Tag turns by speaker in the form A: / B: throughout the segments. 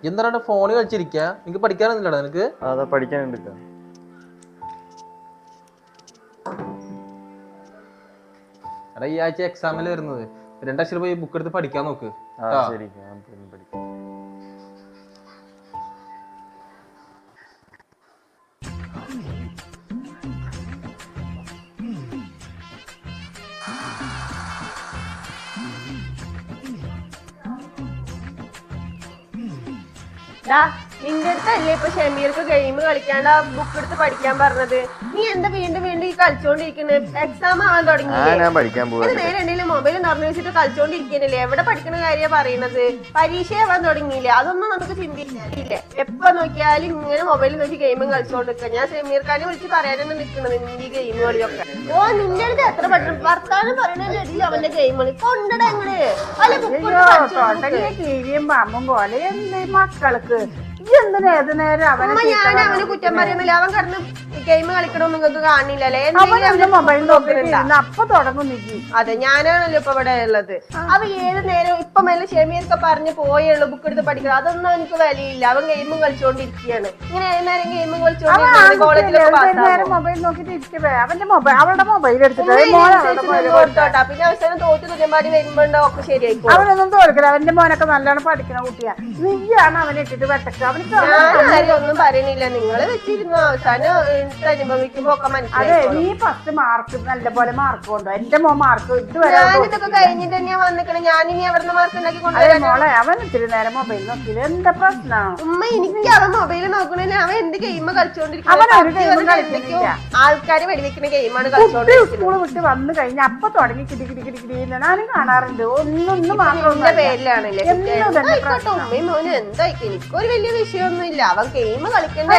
A: എന്താണ് ഫോണിൽ കളിച്ചിരിക്കുക? നിനക്ക് പഠിക്കാനൊന്നുമില്ലടാ നിനക്ക്?
B: അതാ പഠിക്കാനുണ്ട്.
A: എടാ ഈ ആഴ്ച എക്സാമിൽ വരുന്നത് 2 ലക്ഷം പോയി ബുക്ക് എടുത്ത് പഠിക്കാൻ നോക്ക്.
B: ശരി.
C: നിന്റെ അടുത്തല്ലേ ഇപ്പൊ ഷമീർക്ക് ഗെയിം കളിക്കാണ്ട് ആ ബുക്ക് എടുത്ത് പഠിക്കാൻ പറഞ്ഞത്? നീ എന്താ വീണ്ടും വീണ്ടും ഈ കളിച്ചോണ്ടിരിക്കുന്നത്? എക്സാം ആവാൻ തുടങ്ങിയില്ലേ? നേരെ എന്തെങ്കിലും മൊബൈൽ തുറന്നു വെച്ചിട്ട് കളിച്ചോണ്ടിരിക്കുന്നില്ലേ? എവിടെ പഠിക്കുന്ന കാര്യമാണ് പറയണത്? പരീക്ഷ ആവാൻ തുടങ്ങിയില്ലേ? അതൊന്നും നമുക്ക് ചിന്തിക്കില്ലേ? എപ്പൊ നോക്കിയാലും ഇങ്ങനെ മൊബൈലിൽ നോക്കി ഗെയിമും കളിച്ചോണ്ടിരിക്കുക. ഞാൻ ഷമീർ ഖാനെ വിളിച്ച് പറയാനാണ് നിൽക്കുന്നത് നിന്റെ ഈ ഗെയിം കളിയൊക്കെ. ഓ നിന്റെ അടുത്ത് എത്ര പഠിക്കണം? വർത്താനം പറയുന്നതിൽ അവന്റെ ഗെയിം കളി കൊണ്ടട എങ്ങനെ
D: മക്കൾക്ക്
C: ഞാൻ അവന് കുറ്റം പറയുന്നില്ല. അവൻ കിടന്ന് ഗെയിം കളിക്കണമെന്ന് നിങ്ങൾക്ക് കാണില്ലല്ലേ?
D: അപ്പൊ തുടങ്ങും.
C: അതെ, ഞാനാണല്ലോ ഇപ്പൊ ഇവിടെ ഉള്ളത്. അവൻ ഏത് നേരം ഇപ്പൊ മേലെ ഷെമീർക്ക് പറഞ്ഞ് പോയുള്ളൂ ബുക്ക് എടുത്ത് പഠിക്കണം. അതൊന്നും എനിക്ക് വിലയില്ല. അവൻ ഗെയിമും കളിച്ചോണ്ടിരിക്കുകയാണ്. ഇങ്ങനെ ഏത് നേരം ഗെയിമും കളിച്ചോണ്ടിരിക്കുകയാണ്. കോളേജിലൊക്കെ
D: മൊബൈൽ നോക്കിട്ട് ഇരിക്കേ അവളുടെ മൊബൈൽ എടുത്തിട്ട്
C: കൊടുത്തോട്ടാ. പിന്നെ അവസാനം തോറ്റ് തുന്നമാടി വരുമ്പോണ്ടോ ഒക്കെ ശരിയായിക്കോ.
D: അവനൊന്നും തോൽക്കില്ല. അവന്റെ മോനൊക്കെ നല്ലോണം പഠിക്കുന്ന കുട്ടിയാ. നീയാണ് അവനെ ഇട്ടിട്ട് വെട്ടക്ക്.
C: ഞാൻ ഒന്നും പറയണില്ല. നിങ്ങള് വെച്ചിരുന്നു അവസാനം അനുഭവിക്കുമ്പോ ഒക്കെ മനസ്സിലായി.
D: നീ 10 മാർക്ക് നല്ലപോലെ മാർക്ക് കൊണ്ടോ. എന്റെ മോൻ മാർക്ക് ഇതുവരെ
C: ഞാനിതൊക്കെ കഴിഞ്ഞിട്ട് തന്നെയാ വന്നിക്കണേ. ഞാനിനി അവിടുന്ന് മാർക്ക് ഉണ്ടാക്കി കൊണ്ടുവരാൻ.
D: മോളെ അവൻ ഇത്തിരി നേരം മൊബൈൽ നോക്കില്ല. എന്താ പ്രശ്നം?
C: ഉമ്മ എനിക്ക് അവൻ മൊബൈൽ നോക്കണില്ല. അവൻ എന്ത് ഗെയിം കളിച്ചോണ്ടിരിക്കുന്നത്? ആൾക്കാര് വെടിവെക്കുന്ന ഗെയിമാണ് കളിച്ചോണ്ടിരിക്കുന്നത്.
D: സ്കൂള് വിട്ട് വന്നു കഴിഞ്ഞാൽ അപ്പൊ തുടങ്ങി കിടി കിടി കിടി കിടി ഞാനും കാണാറുണ്ട്. ഒന്നും
C: മാത്രം പേരിലാണല്ലേ ഉമ്മയും മോനും എന്തായിക്കും? എനിക്കൊരു വലിയ വിഷയമൊന്നും ഇല്ല. അവൻ ഗെയിം കളിക്കേണ്ട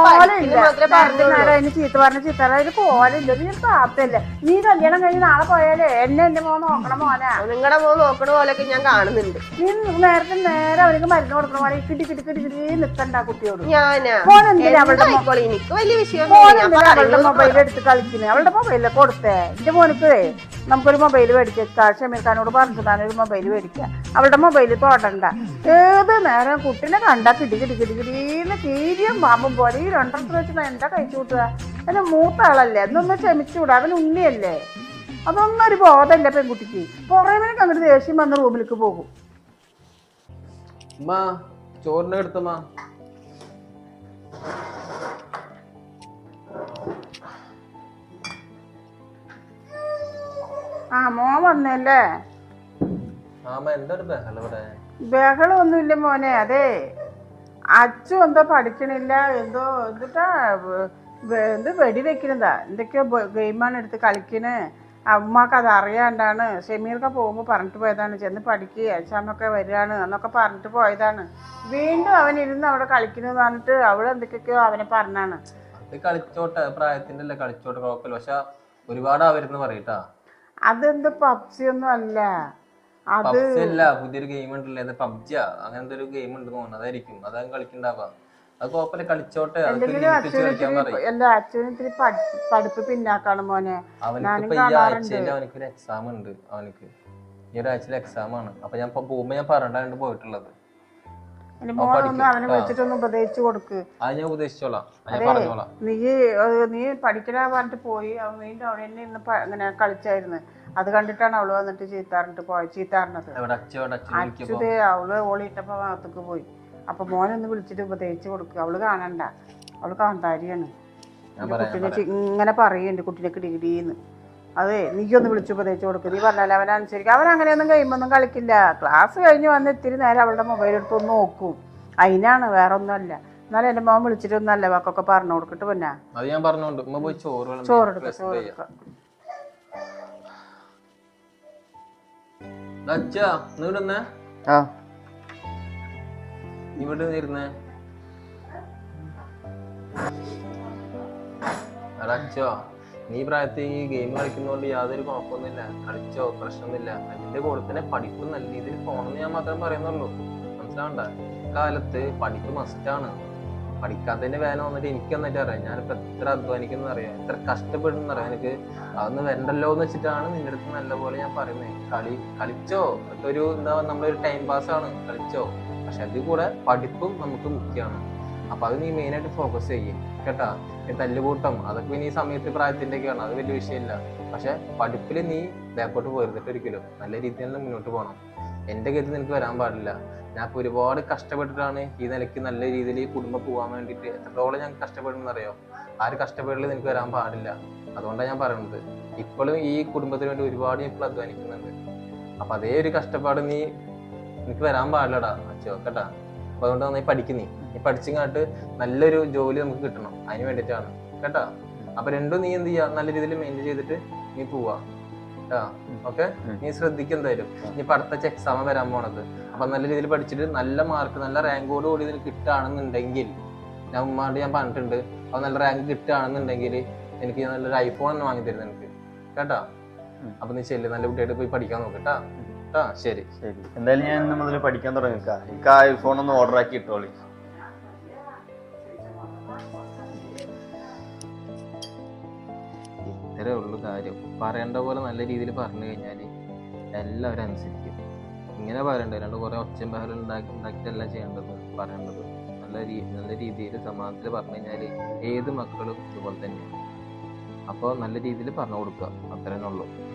D: ചീത്ത പറഞ്ഞ ചീത്ത ഒരു കോലില്ല. നീ താത്തല്ലേ? നീ കല്യാണം കഴിഞ്ഞ് നാളെ പോയാലേ എന്റെ മോൻ നോക്കണ മോനാ.
C: നിങ്ങളുടെ മോൻ നോക്കണ പോലെയൊക്കെ ഞാൻ കാണുന്നുണ്ട്.
D: നീ നേരെ അവർക്ക് മരുന്ന് കൊടുക്കണ പോലെ കിട്ടി കിട്ടി കിട്ടി കിട്ടി നിക്കണ്ട കുട്ടിയോട്.
C: എനിക്ക് വലിയ വിഷയം
D: അവളുടെ മൊബൈൽ എടുത്ത് കളിക്കുന്നത്. അവളുടെ മൊബൈലിൽ കൊടുത്തേ. എന്റെ മോനിക്ക് നമുക്കൊരു മൊബൈൽ മേടിക്കാം. ഷമീർ ഖാനോട് പറഞ്ഞു താനൊരു മൊബൈൽ മേടിക്കാം. അവളുടെ മൊബൈൽ തൊടണ്ട. ഏത് നേരം കുട്ടിനെ കണ്ടാ കിടി കിടി കിടി കിടീന്ന് കീരിയും പാമ്പും പോലെ ഈ 2 വെച്ച് എന്താ കഴിച്ചു കൂട്ടുക? എന്നെ മൂത്ത ആളല്ലേ, എന്നൊന്ന് ക്ഷമിച്ചുകൂടാ. അവൻ ഉണ്ണിയല്ലേ. അതൊന്നും ഒരു ബോധമല്ല പെൺകുട്ടിക്ക്. പുറമേനൊക്കെ അങ്ങോട്ട് ദേഷ്യം വന്ന് റൂമിലേക്ക് പോകും.
A: ചോറിനെ എടുത്തമ്മ.
D: മോൻ വന്നല്ലേ? ബഹളമൊന്നുമില്ല മോനെ. അതെ, അച്ചു എന്തോ പഠിക്കണില്ല. എന്ത് വെടിവെക്കണതാ. എന്തൊക്കെയോ ഗെയിമാണ് എടുത്ത് കളിക്കണേ. അമ്മക്ക് അത് അറിയാണ്ടാണ്. ഷമീർക്ക് പോകുമ്പോൾ പറഞ്ഞിട്ട് പോയതാണ് ചെന്ന് പഠിക്കുക, എക്സാമൊക്കെ വരികയാണ് എന്നൊക്കെ പറഞ്ഞിട്ട് പോയതാണ്. വീണ്ടും അവൻ ഇരുന്ന് അവിടെ കളിക്കണെന്ന് പറഞ്ഞിട്ട് അവിടെ എന്തൊക്കെയൊക്കെയോ അവനെ പറഞ്ഞാണ്.
A: കളിച്ചോട്ടെ, പ്രായത്തിന്റെ അല്ലേ, കളിച്ചോട്ടെ, കുഴപ്പമില്ല. പക്ഷെ ഒരുപാട് അവരെന്ന് പറയട്ടാ.
D: അതെന്ത് പബ്ജി ഒന്നും അല്ല.
A: അതല്ല, പുതിയൊരു ഗെയിം ഉണ്ടല്ലേ, പബ്ജി അങ്ങനത്തെ ഒരു ഗെയിം ഉണ്ട് തോന്നുന്നു. അതായിരിക്കും അതാ കളിക്കണ്ടാവാ. അത് കുഴപ്പമില്ല, കളിച്ചോട്ടെ.
D: അച്ഛന് പഠിപ്പ് പിന്നാക്കാണ് മോനെ.
A: അവനക്ക് ഈ ആഴ്ചയിൽ അവനക്കൊരു എക്സാം ഉണ്ട്. അവനക്ക് ഈ ഒരാഴ്ചയിൽ എക്സാം ആണ്. അപ്പൊ ഞാൻ പോകുമ്പോ ഞാൻ പറഞ്ഞിട്ടാണ് പോയിട്ടുള്ളത്.
D: അവനെ വെച്ചിട്ടൊന്ന് ഉപദേശിച്ചു കൊടുക്ക്.
A: അത് ഞാൻ ഉപദേശിച്ചോളാം.
D: നീ പഠിക്കണ പറഞ്ഞിട്ട് പോയി. വീണ്ടും അവിടെ തന്നെ ഇന്ന് ഇങ്ങനെ കളിച്ചായിരുന്നു. അത് കണ്ടിട്ടാണ് അവള് വന്നിട്ട് ചീത്താറിനത്. അച്ഛതേ അവള് ഓളിയിട്ടപ്പോ ഭാഗത്തേക്ക് പോയി. അപ്പൊ മോനൊന്ന് വിളിച്ചിട്ട് ഉപദേശിച്ചു കൊടുക്കുക. അവള് കാണണ്ട, അവള് കാന്താരിയാണ്. കുട്ടീനെ ഇങ്ങനെ പറയുന്നുണ്ട് കുട്ടീനെ കിടികിടീന്ന്. അതെ, നീയൊന്ന് വിളിച്ചു ഉപദേശിച്ചു കൊടുക്കുക. നീ പറഞ്ഞാൽ അവനനുസരിക്കും. അവൻ അങ്ങനെയൊന്നും കഴിയുമ്പൊന്നും കളിക്കില്ല. ക്ലാസ് കഴിഞ്ഞ് വന്ന് ഇത്തിരി നേരം അവളുടെ മൊബൈൽ എടുത്തൊന്ന് നോക്കും. അതിനാണ്, വേറെ ഒന്നും അല്ല. എന്നാലും എന്റെ മോൻ വിളിച്ചിട്ടൊന്നും അല്ല വാക്കൊക്കെ പറഞ്ഞു കൊടുക്കിട്ട് പിന്നെ ചോറെടുക്ക.
A: നീ പ്രായത്തിൽ ഈ ഗെയിം കളിക്കുന്നതുകൊണ്ട് യാതൊരു കുഴപ്പമൊന്നുമില്ല. കളിച്ചോ, പ്രശ്നമൊന്നുമില്ല. അതിന്റെ കൂടെ തന്നെ പഠിപ്പ് നല്ല രീതിയിൽ പോകണമെന്ന് ഞാൻ മാത്രം പറയുന്നുള്ളൂ. മനസ്സിലാവണ്ട? കാലത്ത് പഠിപ്പ് മസ്റ്റാണ്. പഠിക്കാത്തതിന്റെ വേല വന്നിട്ട് എനിക്ക് നന്നായിട്ട് അറിയാം. ഞാനിപ്പോ എത്ര അധ്വാനിക്കുന്ന അറിയാം, എത്ര കഷ്ടപ്പെടുന്ന അറിയാം. എനിക്ക് അതൊന്നും വരണ്ടല്ലോ എന്ന് വെച്ചിട്ടാണ് നിന്റെ അടുത്ത് നല്ലപോലെ ഞാൻ പറയുന്നത്. കളിച്ചോ, ഒരു നമ്മളൊരു ടൈം പാസ് ആണ്. കളിച്ചോ, പക്ഷെ അതിൽ കൂടെ പഠിപ്പും നമുക്ക് മുഖ്യമാണ്. അപ്പൊ അത് നീ മെയിനായിട്ട് ഫോക്കസ് ചെയ്യും കേട്ടാ. ഈ തല്ലുകൂട്ടം അതൊക്കെ ഇനി ഈ സമയത്ത് പ്രായത്തിൻ്റെയൊക്കെയാണ്, അത് വലിയ വിഷയമില്ല. പക്ഷെ പഠിപ്പിൽ നീ ബാക്കോട്ട് പോയിരുന്നിട്ട് ഒരിക്കലും നല്ല രീതിയിൽ തന്നെ മുന്നോട്ട് പോകണം. എൻ്റെ ഗതി നിനക്ക് വരാൻ പാടില്ല. ഞാൻ ഇപ്പോൾ ഒരുപാട് കഷ്ടപ്പെട്ടിട്ടാണ് ഈ നിലയ്ക്ക് നല്ല രീതിയിൽ ഈ കുടുംബം പോകാൻ വേണ്ടിയിട്ട് എത്രത്തോളം ഞാൻ കഷ്ടപ്പെടുന്നറിയോ. ആ ഒരു കഷ്ടപ്പെടൽ നിനക്ക് വരാൻ പാടില്ല. അതുകൊണ്ടാണ് ഞാൻ പറയുന്നത്. ഇപ്പോഴും ഈ കുടുംബത്തിന് വേണ്ടി ഒരുപാട് ഇപ്പോൾ അധ്വാനിക്കുന്നുണ്ട്. അപ്പൊ അതേ ഒരു കഷ്ടപ്പാട് നിനക്ക് വരാൻ പാടില്ലടാ അച്ഛോ കേട്ടാ. അപ്പൊ അതുകൊണ്ട് നന്നായി പഠിക്കുന്നീ. നീ പഠിച്ചിങ്ങാട്ട് നല്ലൊരു ജോലി നമുക്ക് കിട്ടണം, അതിന് വേണ്ടിയിട്ടാണ് കേട്ടാ. അപ്പൊ രണ്ടും നീ എന്ത് ചെയ്യാ, നല്ല രീതിയിൽ മെയിൻറ്റെയിൻ ചെയ്തിട്ട് നീ പോവാ കേട്ടാ. ഓക്കെ, നീ ശ്രദ്ധിക്കും എന്തായാലും. ഇനി ഇപ്പൊ അടുത്ത എക്സാം വരാൻ പോണത്. അപ്പൊ നല്ല രീതിയിൽ പഠിച്ചിട്ട് നല്ല മാർക്ക് നല്ല റാങ്കോട് കൂടി നിനക്ക് കിട്ടുകയാണെന്നുണ്ടെങ്കിൽ, ഞാൻ ഉമ്മാണ്ട് ഞാൻ പറഞ്ഞിട്ടുണ്ട്, അപ്പൊ നല്ല റാങ്ക് കിട്ടുകയാണെന്നുണ്ടെങ്കിൽ എനിക്ക് നല്ലൊരു ഐഫോൺ തന്നെ വാങ്ങി തരുന്നത് എനിക്ക് കേട്ടാ. അപ്പൊ നീ ചെല്ല്, നല്ല കുട്ടിയായിട്ട് പോയി പഠിക്കാൻ നോക്കട്ടാ. ശരി
B: ശരി, എന്തായാലും ഞാൻ ഇന്ന് മുതൽ പഠിക്കാൻ തുടങ്ങിക്കാം. എനിക്ക് ആ ഐഫോൺ ഒന്ന് ഓർഡർ ആക്കി ഇട്ടോളി.
A: ഇത്രേ ഉള്ളൂ കാര്യം. പറയേണ്ട പോലെ നല്ല രീതിയിൽ പറഞ്ഞു കഴിഞ്ഞാൽ എല്ലാവരും അനുസരിക്കും. ഇങ്ങനെ പറയണ്ട, അല്ലാണ്ട് കുറെ ഒച്ചയും ബഹളം ഉണ്ടാക്കിയിട്ടല്ല ചെയ്യേണ്ടത്. പറയേണ്ടത് നല്ല രീതിയിൽ സമാധാനത്തിൽ പറഞ്ഞു കഴിഞ്ഞാൽ ഏത് മക്കളും ഇതുപോലെ തന്നെയാണ്. അപ്പോൾ നല്ല രീതിയിൽ പറഞ്ഞു കൊടുക്കുക, അത്രേ ഉള്ളൂ.